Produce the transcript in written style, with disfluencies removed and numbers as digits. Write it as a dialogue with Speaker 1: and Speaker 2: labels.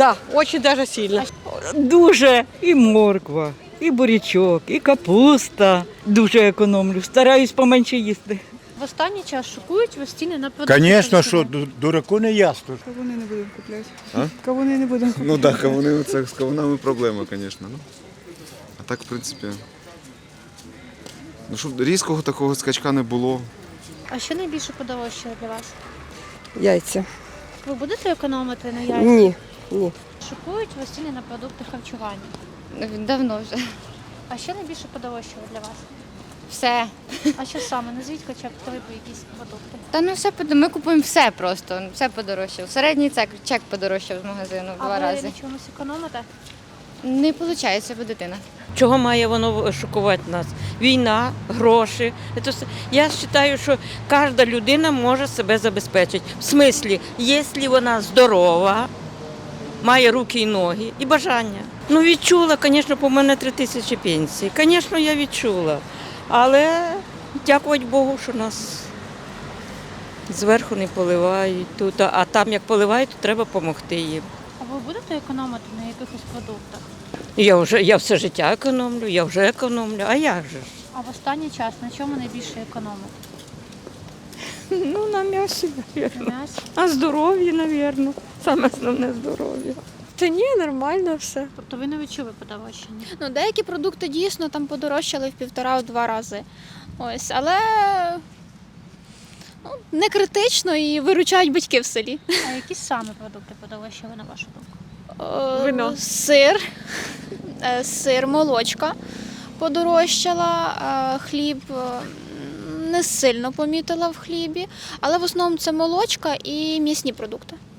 Speaker 1: Да, очень даже сильно.
Speaker 2: Дуже і морква, і бурячок, і капуста. Дуже економлю. Стараюсь поменше їсти.
Speaker 3: В останній час шокують вас ціни на продукти.
Speaker 4: Звісно, що
Speaker 3: харчування.
Speaker 4: дураку не ясно.
Speaker 5: Кавуни не будемо купляти.
Speaker 6: А?
Speaker 5: Кавуни не будемо купляти.
Speaker 6: Ну так, кавуни, це з кавунами проблема, звісно. Ну. А так, в принципі. Ну, щоб різкого такого скачка не було.
Speaker 3: А що найбільше подорожчало для вас?
Speaker 5: Яйця.
Speaker 3: Ви будете економити на яйцях?
Speaker 5: Ні, ні.
Speaker 3: Шокують вас ціни на продукти харчування.
Speaker 7: Давно вже.
Speaker 3: А що найбільше подорожчало для вас?
Speaker 7: Все.
Speaker 3: А що саме? Назвіть хоча б три якісь продукти.
Speaker 7: Та ну все ми купуємо все просто, все подорожчав. Середній чек подорожчав з магазину в 2
Speaker 3: А ви
Speaker 7: рази.
Speaker 3: на чомусь економите?
Speaker 7: Не виходить, бо дитина.
Speaker 8: Чого має воно шокувати нас? Війна, гроші. Я вважаю, що кожна людина може себе забезпечити. В смислі, якщо вона здорова, має руки і ноги і бажання. Ну відчула, звісно, по мене 3 тисячі пенсії. Звісно, я відчула. Але дякувати Богу, що нас зверху не поливають тут. А там як поливають, то треба допомогти їм.
Speaker 3: А ви будете економити на якихось продуктах?
Speaker 8: Я все життя економлю, я вже економлю. А як же ж?
Speaker 3: А в останній час на чому найбільше економите?
Speaker 8: Ну, на м'ясі, мабуть.
Speaker 3: На м'ясі?
Speaker 8: А здоров'я, мабуть. Саме основне здоров'я.
Speaker 1: Та ні, нормально все.
Speaker 3: Тобто ви не відчули подорожчання?
Speaker 9: Ну, деякі продукти дійсно там подорожчали в 1,5-2 рази. Ось, але не критично і виручають батьки в селі.
Speaker 3: А які саме продукти подорожчали, на вашу думку?
Speaker 1: Вино.
Speaker 9: Сир, молочка подорожчала, хліб не сильно помітила в хлібі, але в основному це молочка і м'ясні продукти.